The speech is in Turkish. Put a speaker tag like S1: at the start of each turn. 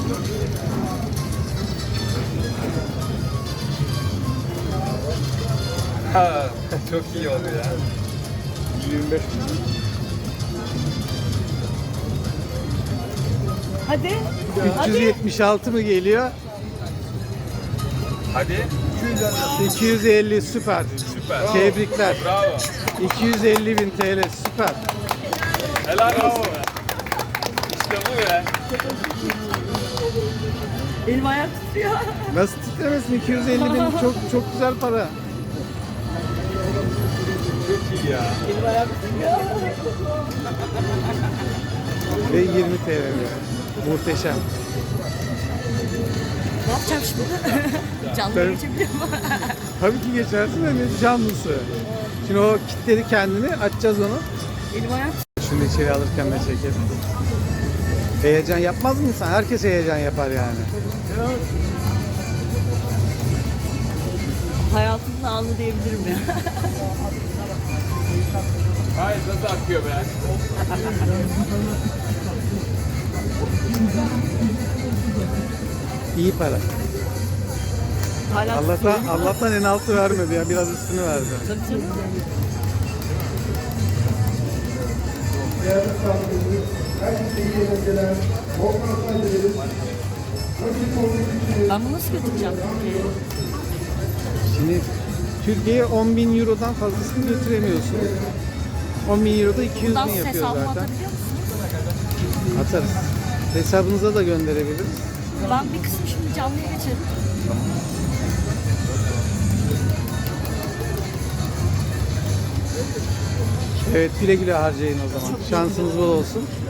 S1: Ha, çok iyi oldu ya.
S2: 25.
S3: Hadi. Hadi.
S4: 376 mı geliyor?
S1: Hadi.
S4: 250 süper.
S1: Süper.
S4: Tebrikler.
S1: Bravo.
S4: 250.000 TL süper.
S1: Helal olsun be. İşte bu ya.
S3: Elim ayağım tutuyor.
S4: Nasıl titremesin? 250.000 çok güzel para.
S1: Çok iyi ya.
S3: Elim ayağım tutuyor.
S4: Ve 20 TL diyor. Muhteşem.
S3: Ne yapacağım şimdi? Canlı
S4: Ben-
S3: geçebiliyor mu?
S4: Tabii ki geçersin de ne canlısı. Şimdi o kitledi kendini, açacağız onu.
S3: Elim ayağım
S4: Şunu içeri alırken de çekelim. Heyecan yapmaz mı insan? Herkes heyecan yapar yani.
S3: hayatımın anı diyebilirim ya.
S1: Hayır nasıl akıyor be?
S4: İyi para.
S3: Hala
S4: Allah'tan en altı vermedi ya, biraz üstünü verdi.
S3: Tabii canım. Ben bunu nasıl götüreceğim Türkiye'ye?
S4: Şimdi Türkiye'ye 10.000 Euro'dan fazlasını götüremiyorsun. 10.000 Euro'da 200
S3: Bundan
S4: bin
S3: siz
S4: yapıyor
S3: hesabımı
S4: zaten.
S3: atabiliyor musunuz?
S4: Atarız. Hesabınıza da gönderebiliriz.
S3: Ben bir kısmı şimdi canlıya geçelim.
S4: Evet, güle güle harcayın o zaman. Şansınız bol olsun.